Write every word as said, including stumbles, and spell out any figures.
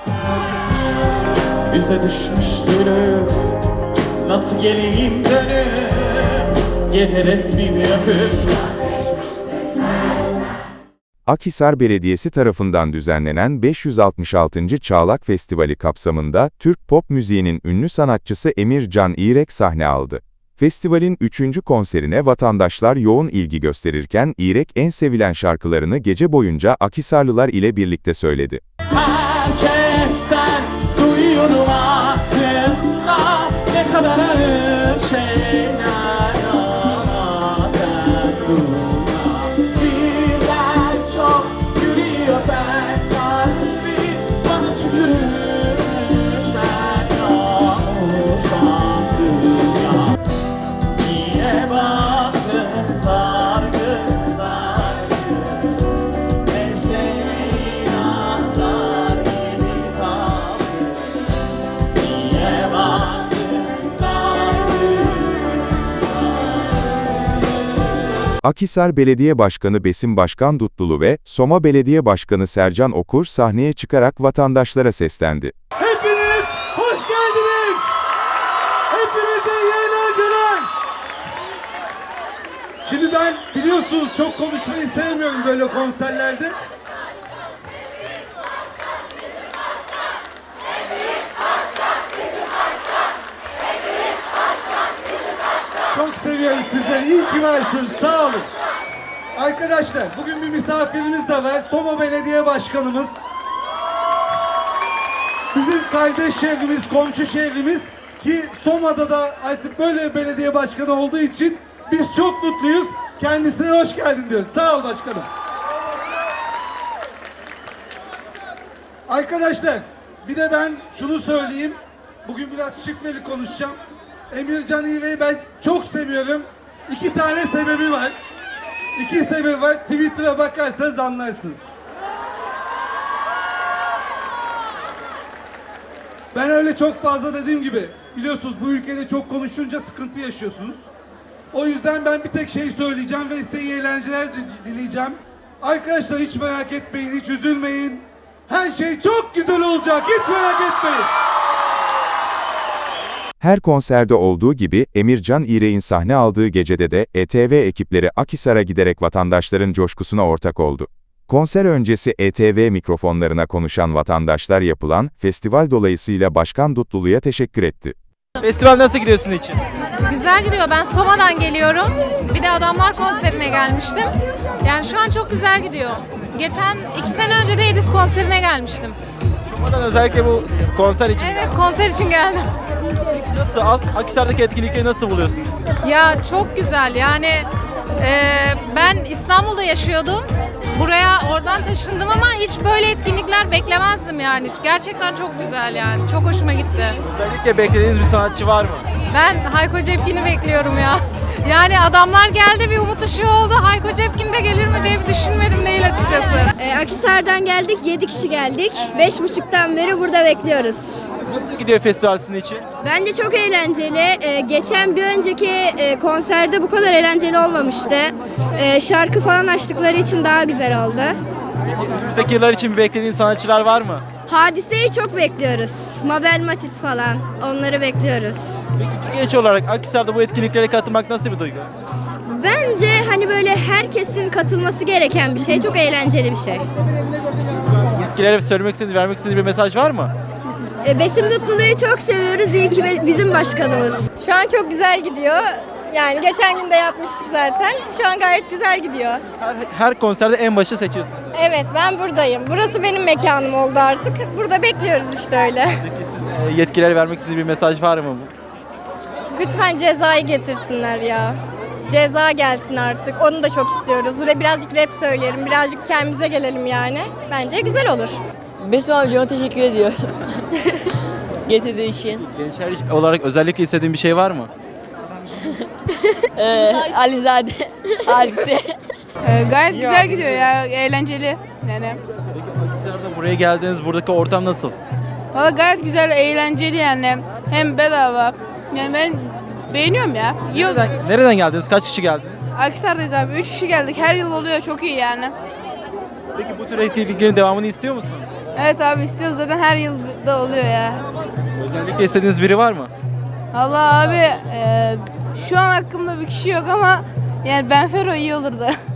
Bize düşmüş zulüm, nasıl geleyim dönüp gece resmimi öpüp. Akhisar Belediyesi tarafından düzenlenen beş yüz altmış altıncı Çağlak Festivali kapsamında Türk pop müziğinin ünlü sanatçısı Emir Can İrek sahne aldı. Festivalin üçüncü konserine vatandaşlar yoğun ilgi gösterirken İrek en sevilen şarkılarını gece boyunca Akhisarlılar ile birlikte söyledi. Herkesten duyuyorum aklımda ne kadar ağır şeyler ama sen durma. Birden çok yürüyor ben kalbim, bana tükürmüşler yağmur sandım ya. Niye baktın dargın dargın, her şey inanlar gibi kaldı. Niye baktın dargın dargın. Akhisar Belediye Başkanı Besim Başkan Dutlulu ve Soma Belediye Başkanı Sercan Okur sahneye çıkarak vatandaşlara seslendi. Hepiniz hoş geldiniz. Hepinize iyi eğlenceler. Şimdi ben biliyorsunuz çok konuşmayı sevmiyorum böyle konserlerde. Çok seviyorum sizleri. İyi ki varsınız. Sağ olun. Arkadaşlar bugün bir misafirimiz de var. Soma Belediye Başkanımız. Bizim kardeş şehrimiz, komşu şehrimiz ki Soma'da da artık böyle bir belediye başkanı olduğu için biz çok mutluyuz. Kendisine hoş geldin diyoruz. Sağ ol başkanım. Arkadaşlar bir de ben şunu söyleyeyim. Bugün biraz şifreli konuşacağım. Emir Can İğrek'i ben çok seviyorum. İki tane sebebi var. İki sebebi var. Twitter'a bakarsanız anlarsınız. Ben öyle çok fazla dediğim gibi biliyorsunuz bu ülkede çok konuşunca sıkıntı yaşıyorsunuz. O yüzden ben bir tek şey söyleyeceğim ve size iyi eğlenceler dileyeceğim. Arkadaşlar hiç merak etmeyin, hiç üzülmeyin. Her şey çok güzel olacak, hiç merak etmeyin. Her konserde olduğu gibi Emir Can İrek'in sahne aldığı gecede de E T V ekipleri Akhisar'a giderek vatandaşların coşkusuna ortak oldu. Konser öncesi E T V mikrofonlarına konuşan vatandaşlar yapılan festival dolayısıyla Başkan Dutlulu'ya teşekkür etti. Festival nasıl gidiyorsun için? Güzel gidiyor. Ben Soma'dan geliyorum. Bir de Adamlar konserine gelmiştim. Yani şu an çok güzel gidiyor. Geçen iki sene önce de Edis konserine gelmiştim. Soma'dan özellikle bu konser için. Evet, konser için geldim. Nasıl? Az, Akhisar'daki etkinlikleri nasıl buluyorsunuz? Ya çok güzel. Yani e, ben İstanbul'da yaşıyordum. Buraya oradan taşındım ama hiç böyle etkinlikler beklemezdim yani. Gerçekten çok güzel yani. Çok hoşuma gitti. Özellikle beklediğiniz bir sanatçı var mı? Ben Hayko Cepkin'i bekliyorum ya. Yani Adamlar geldi, bir umut ışığı oldu. Hayko Cepkin de gelir mi diye bir düşünmedim değil açıkçası. Ee, Akhisar'dan geldik, yedi kişi geldik. Beş buçuktan beri burada bekliyoruz. Nasıl gidiyor festival sizin için? Bence çok eğlenceli. Ee, geçen bir önceki e, konserde bu kadar eğlenceli olmamıştı. Ee, şarkı falan açtıkları için daha güzel oldu. Önümüzdeki yıllar için beklediğin sanatçılar var mı? Hadise'yi çok bekliyoruz. Mabel Matiz falan. Onları bekliyoruz. Peki bir genç olarak Akhisar'da bu etkinliklere katılmak nasıl bir duygu? Bence hani böyle herkesin katılması gereken bir şey. Çok eğlenceli bir şey. Yetkililere söylemek istediğiniz, vermek istediğiniz bir mesaj var mı? Ee, Besim Dutlulu'yu çok seviyoruz. İyi ki bizim başkanımız. Şu an çok güzel gidiyor. Yani geçen gün de yapmıştık zaten. Şu an gayet güzel gidiyor. Her, her konserde en başı seçiyorsunuz. Evet, ben buradayım. Burası benim mekanım oldu artık. Burada bekliyoruz işte öyle. Peki siz e, yetkililere vermek istediğiniz bir mesaj var mı? Lütfen cezayı getirsinler ya. Ceza gelsin artık. Onu da çok istiyoruz. Birazcık rap söyleyelim, birazcık kendimize gelelim yani. Bence güzel olur. Besim amcama teşekkür ediyor. Getirdiği için. Gençler olarak özellikle istediğin bir şey var mı? Ee, Alizade, Hadise. Ee, gayet güzel gidiyor ya, eğlenceli yani. Peki Akhisar'da buraya geldiniz, buradaki ortam nasıl? Valla gayet güzel, eğlenceli yani. Hem bedava. Yani ben beğeniyorum ya. Yıl Nereden, nereden geldiniz? Kaç kişi geldiniz? Akhisar'dayız abi. Üç kişi geldik. Her yıl oluyor. Çok iyi yani. Peki bu tür etkinliklerin devamını istiyor musunuz? Evet abi istiyoruz zaten her yıl da oluyor ya. Özellikle istediğiniz biri var mı? Allah abi e, şu an hakkımda bir kişi yok ama yani Benfero iyi olurdu.